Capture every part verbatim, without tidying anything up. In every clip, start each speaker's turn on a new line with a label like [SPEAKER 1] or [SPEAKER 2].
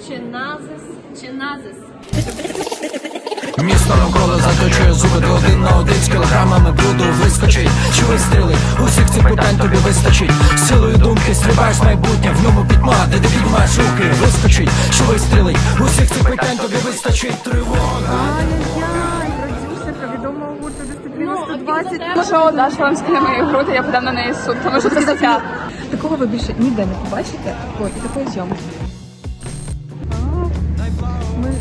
[SPEAKER 1] чи назис, чи назис.
[SPEAKER 2] Місто навколо заточує зуби, ти один на один з кілограмами бруду вискочить. Чи вистріли? Усіх цих питань тобі вистачить. Силою думки стрибаєш в майбутнє, в ньому пітьма, де ти піднімаєш руки, вискочить. Чи вистріли? Усіх цих питань тобі вистачить. Тривога.
[SPEAKER 3] Ай-яй-яй, продюсерка відомого гурту Дисципліна сто двадцять.
[SPEAKER 4] Ну що, Даша вам скине мої груди, я подам на неї суд, тому що це стаття.
[SPEAKER 3] Такого ви більше ніде не побачите, такої, такої зйомки. Ми...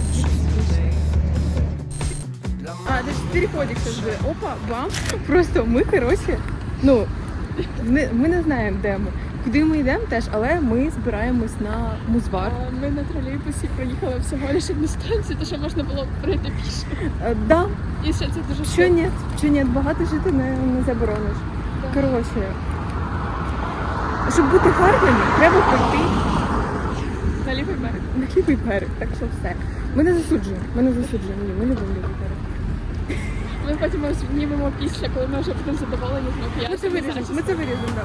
[SPEAKER 3] А, це ж переходик завжди. Опа, бам. Просто ми, коротше, ну, не, ми не знаємо, де ми. Куди ми йдемо теж, але ми збираємось на музвар.
[SPEAKER 4] Ми на тролейбусі проїхали всього лише одну станцію, то що можна було пройти пішки.
[SPEAKER 3] А, да.
[SPEAKER 4] І ще це дуже
[SPEAKER 3] Що ні, що ні, багато жити не, не заборониш.
[SPEAKER 4] Да.
[SPEAKER 3] Коротше, щоб бути гарними, треба пройти
[SPEAKER 4] на лівий берег.
[SPEAKER 3] на лівий берег, так що все. Ми не засуджуємо, ми не засуджуємо, ні, ми не будемо лівий берег.
[SPEAKER 4] Ми потім знімемо після, коли ми вже будемо задоволені з макіяжем.
[SPEAKER 3] Ми це виріжемо, ми це виріжемо, так.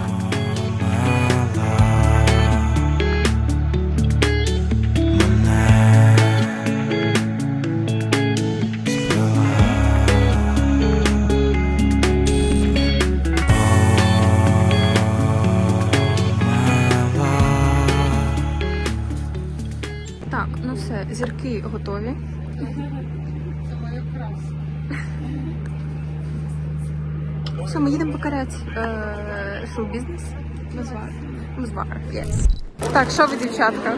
[SPEAKER 3] Так, ну все, зірки готові. Все, ми їдемо покоряти е, шоу-бізнес.
[SPEAKER 4] Музвар.
[SPEAKER 3] Музвар, yes. Так, що ви, дівчатка?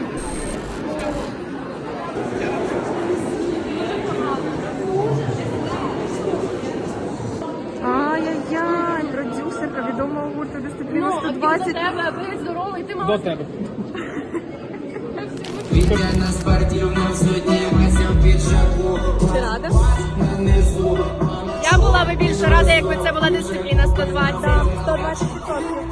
[SPEAKER 3] Ай-яй-яй, продюсерка відомого гурту Дисципліна сто двадцять.
[SPEAKER 1] тебе, ви здоровий, ти
[SPEAKER 4] До тебе.
[SPEAKER 2] Ідеальна спортивна суддівася в піджаку.
[SPEAKER 1] Ти рада?
[SPEAKER 2] Нанизу.
[SPEAKER 1] Я була би більше рада, якби це була дисципліна сто двадцять.
[SPEAKER 3] сто двадцять відсотків.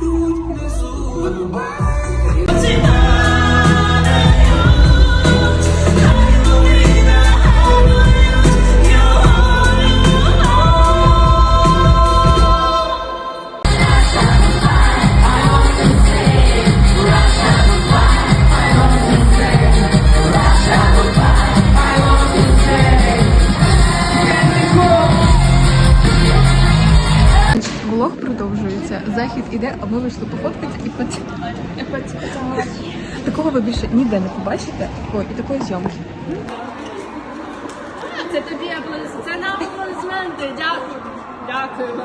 [SPEAKER 3] Влог продовжується. Захід іде, а ми вийшли пофоткати і пот... Такого ви більше ніде не побачите, такої і такої зйомки.
[SPEAKER 1] Це тобі аплодисменти. Це нам аплодисменти. Дякую. Дякую.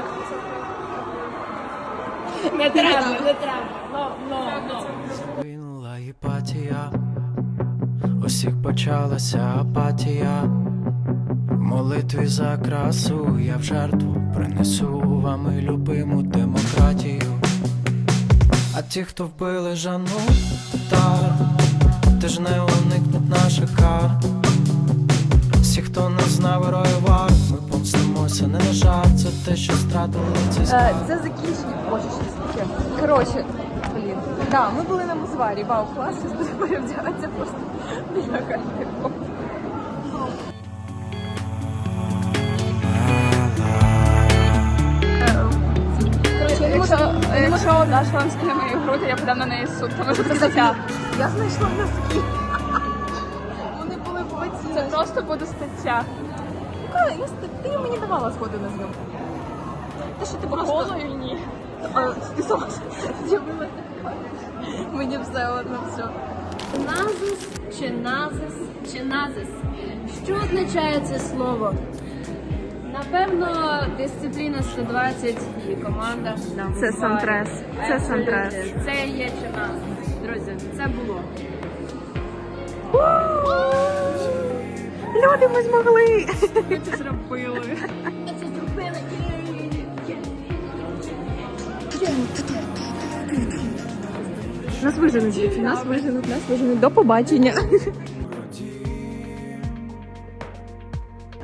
[SPEAKER 1] Не треба, не треба. Ну, ну, ну.
[SPEAKER 2] Винула іпатія, усіх почалася апатія. В молитві за красу я в жертву принесу вам і любиму демократію. А ті, хто вбили Жанну Татар, теж не уникнуть наших кар. Всі, хто не знав героїв вар, ми помстимося не на жарт. Це те, що стратили цей скарб.
[SPEAKER 3] Це закінчення. Боже, що таке. Коротше, блін. Да, ми були на музварі. Вау, клас, зараз будемо перевдягатися просто біля кальпіку.
[SPEAKER 4] Якщо, якщо Даша вам скине мої груди, я подам на неї суд, тому що це стаття.
[SPEAKER 3] Я знайшла носки. Вони були в боці.
[SPEAKER 4] Це просто буде стаття.
[SPEAKER 3] Яка? Я ст- Ти мені давала згоду на зйомку. Те, що ти
[SPEAKER 4] По
[SPEAKER 3] просто...
[SPEAKER 4] колу і ні.
[SPEAKER 3] А, ти сама з'явилася. Мені все одно, все.
[SPEAKER 1] Назис, чи назис, чи назис. Що означає це слово? Напевно, дисципліна сто двадцять і команда. на
[SPEAKER 3] Це
[SPEAKER 1] Музварі.
[SPEAKER 3] Сантрес. Це Сантрес.
[SPEAKER 1] Це є чи назис. Друзі, це було.
[SPEAKER 3] Люди, ми змогли!
[SPEAKER 4] Ми це зробили.
[SPEAKER 1] Це зробили.
[SPEAKER 3] Нас виженуть, нас виженуть, нас виженуть. До побачення.